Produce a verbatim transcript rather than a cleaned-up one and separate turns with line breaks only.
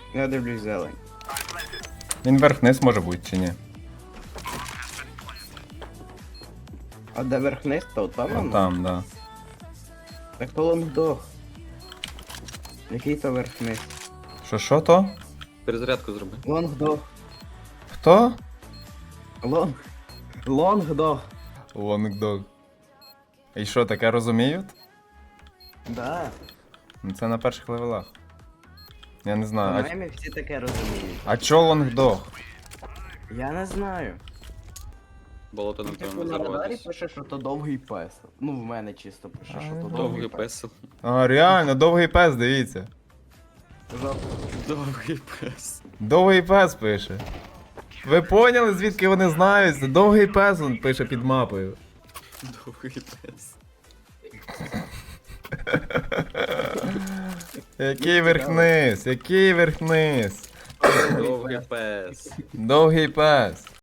Я дивлюсь зелень.
Він верх-низ може бути чи ні?
А де верх-низ, то там
От
воно?
там, да.
Так то лонгдог. Який то верх-низ?
Що що то?
Перезарядку зроби.
Лонгдог.
Хто?
Лонг. Лонгдог.
Лонгдог. І що, таке розуміють?
Да.
Ну, це на перших левелах. Я не знаю. А,
По-моєму, всі таке розуміють.
а чо лонгдог?
Я не знаю.
Болото
Ну,
не
типу,
треба
на радарі
називатись.
пише, що то довгий пес. Ну, в мене чисто пише,
А,
що то
ну,
довгий
Довгий
пес.
пес.
А, реально, довгий пес, дивіться.
Жо-
Довгий пес.
Довгий пес пише. Ви поняли, звідки вони знають? Це довгий пес він пише під мапою.
Довгий пес.
Який верх-низ? Який верх-низ?
Довгий пес.
Довгий пес.